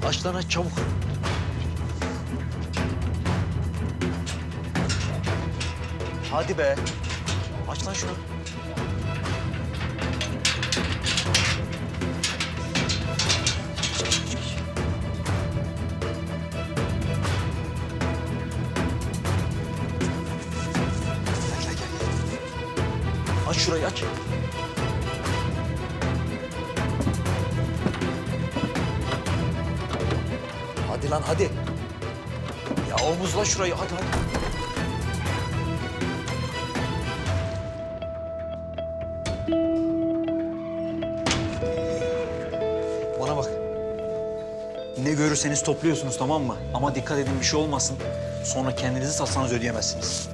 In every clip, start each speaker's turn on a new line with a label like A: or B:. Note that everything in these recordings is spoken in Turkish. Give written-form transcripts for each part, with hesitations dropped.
A: Aç lan aç çabuk. Hadi be. Aç lan şunu. Gel. Aç şurayı aç. Hadi lan hadi. Ya omuzla şurayı hadi. Bana bak. Ne görürseniz topluyorsunuz tamam mı? Ama dikkat edin bir şey olmasın. Sonra kendinizi satsanız ödeyemezsiniz.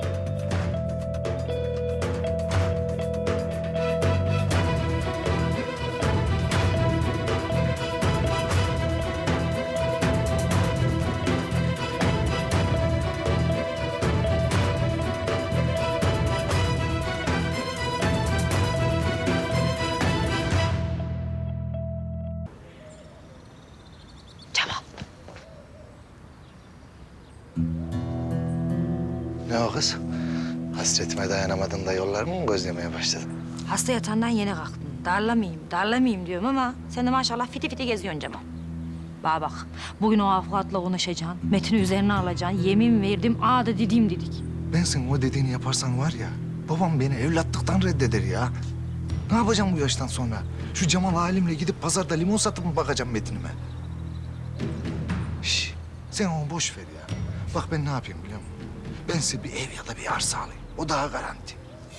B: Ne o kız? Hasretime dayanamadın da yollarımı mı gözlemeye başladın?
C: Hasta yatağından yeni kalktım. Darlamayayım diyorum ama sen de maşallah fiti fiti geziyorsun Cemal. Bana bak, bugün o avukatla konuşacaksın, Metin'i üzerine alacaksın. Yemin verdim, ağa da dediğim dedik.
B: Ben senin o dediğini yaparsan var ya, babam beni evlatlıktan reddeder ya. Ne yapacağım bu yaştan sonra? Şu Cemal halimle gidip pazarda limon satıp mı bakacağım Metin'ime? Şş, sen onu boş ver ya. Bak ben ne yapayım biliyor musun? Ben size bir ev ya da bir arsa alayım. O daha garanti.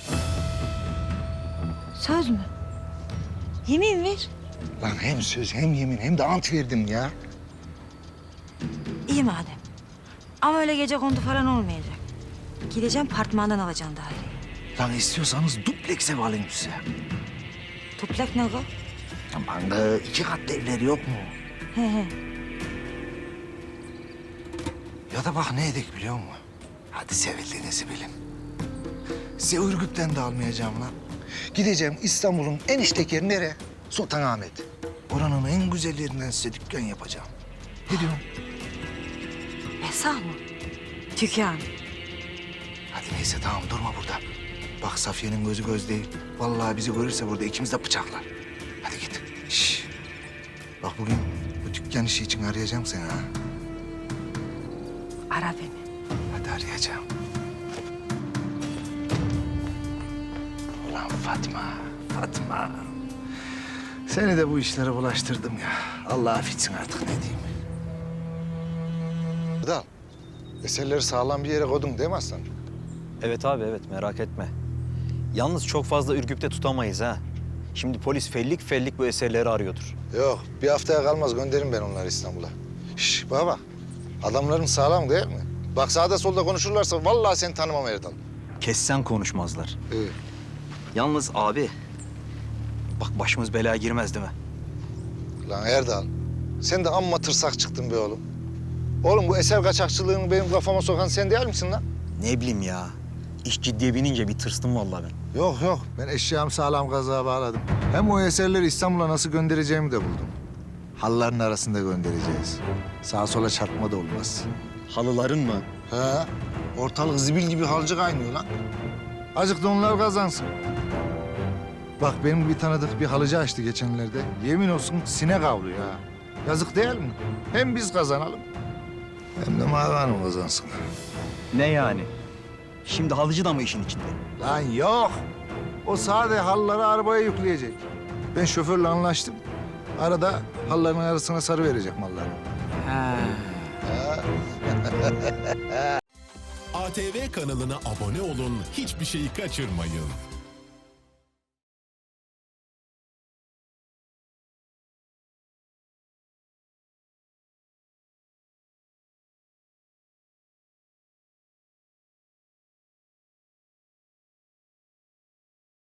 C: Söz mü? Yemin ver.
B: Lan hem söz hem yemin hem de ant verdim ya.
C: İyi madem. Ama öyle gece kondu falan olmayacak. Gideceğim apartmandan alacaksın daireyi.
B: Lan istiyorsanız dupleks ev alayım size.
C: Tuplak ne o?
B: Aman da 2 katlı evler yok mu?
C: He.
B: Ya da bak ne edek biliyor musun? Hadi sevildiğinizi bilin. Size Ürgüp'ten de almayacağım lan. Gideceğim İstanbul'un en işlek yeri nere? Sultanahmet. Oranın en güzel yerinden size dükkan yapacağım. Ne diyorsun?
C: Esah mı? Dükkan.
B: Hadi neyse tamam durma burada. Bak Safiye'nin gözü göz değil. Vallahi bizi görürse burada ikimiz de bıçaklar. Hadi git. Şş. Bak bugün bu dükkan işi için arayacağım seni ha.
C: Ara beni.
B: Hadi arayacağım. Ulan Fatma. Seni de bu işlere bulaştırdım ya. Allah affetsin artık ne diyeyim. Erdal, eserleri sağlam bir yere koydun değil mi aslan?
A: Evet abi evet merak etme. Yalnız çok fazla Ürgüp'te tutamayız ha. Şimdi polis fellik bu eserleri arıyordur.
B: Yok, bir haftaya kalmaz gönderirim ben onları İstanbul'a. Şş, bana bak. Adamların sağlam değil mi? Bak sağda solda konuşurlarsa vallahi seni tanımam Erdal.
A: Kessen konuşmazlar.
B: İyi.
A: Yalnız abi bak başımız belaya girmez değil mi?
B: Lan Erdal, sen de amma tırsak çıktın be oğlum. Oğlum bu eser kaçakçılığını benim kafama sokan sen değil misin lan?
A: Ne bileyim ya. İş ciddiye binince bir tırstım vallahi ben.
B: Yok. Ben eşyamı sağlam kazığa bağladım. Hem o eserleri İstanbul'a nasıl göndereceğimi de buldum. Halıların arasında göndereceğiz. Sağa sola çarpma da olmaz.
A: Halıların mı?
B: He, ortalık zibil gibi halcı kaynıyor lan. Azıcık da onlar kazansın. Bak benim bir tanıdık bir halıcı açtı geçenlerde. Yemin olsun sinek avlıyor ha. Yazık değil mi? Hem biz kazanalım hem de Mavi Hanım kazansın.
A: Ne yani? Şimdi halıcı da mı işin içinde?
B: Lan yok. O sade halıları arabaya yükleyecek. Ben şoförle anlaştım. Arada halıların arasına sarı verecek malları.
D: ATV kanalına abone olun, hiçbir şeyi kaçırmayın.